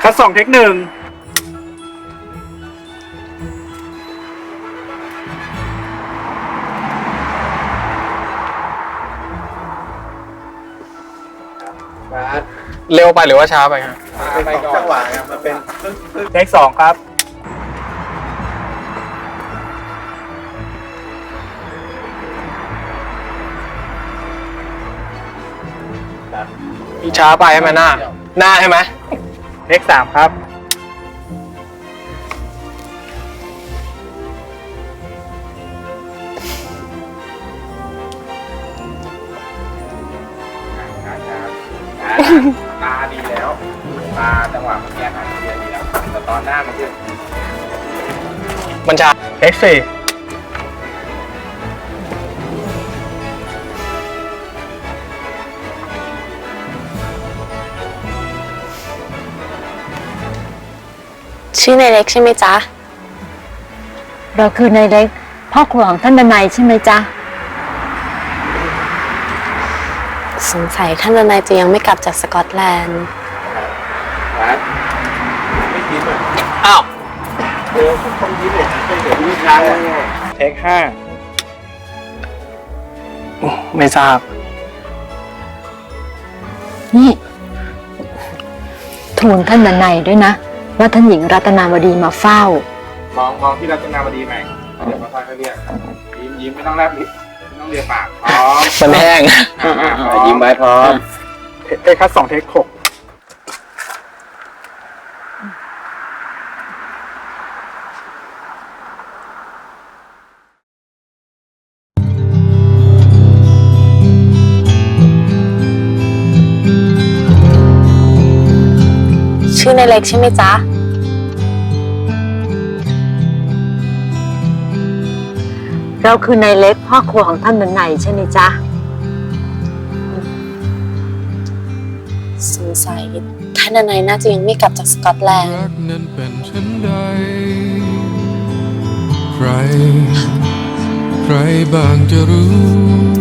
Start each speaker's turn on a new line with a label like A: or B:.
A: คัด2เทค1
B: เร็วไปหรือว่าช้าไปครับ
C: ไปก่อนจังหวะครับมันเป็น
A: เทค2ครับ
B: ช้าไปใช่ไหมหน้าใช่ไหม
A: เทค3ครับ
C: ตาดีแล้วตาจังหวะมันแก้หายเยอะดีแล้วแต่ตอนหน้ามันคือ
B: มันช้า
A: เทค4
D: ชื่อนายเล็กใช่ไหมจ๊ะ
E: เราคือนายเล็กพ่อครัวของท่านดนัยใช่ไหมจ๊ะ
D: สงสัยท่านทนายจะยังไม่กลับจากสกอตแลนด์
C: ไม่คิดเลย
B: อ้าว
C: เดี๋ยวทุกคนยิ้มเลยไม่เดี๋ยวยิ้มช้าเลย
A: เทค5
B: ไม่ทราบ
E: นี่ทูลท่านดนัยด้วยนะว่าท่านหญิงรัตนาวดีมาเฝ้า
C: มองที่รัตนาวดีไหมเดี๋ยวมาค่อยๆเรียกยิ้มไม่ต้องแลบลิ้นไม่ต้องเรียกปากพร้อม
B: มันแห้ง
C: ยิ้มไว้พร้อม
A: เทคคัด2เทค6
D: ชื่อนายเล็กใช่ไหมจ๊ะ
E: เราคือนายเล็กพ่อครัวของท่านดนัยใช่ไหมจ๊ะ
D: สงสัยท่านทนายน่าจะยังไม่กลับจากสกอตแลนด์
F: รักนั้นเป็นเช่นใดใครบ้างจะรู้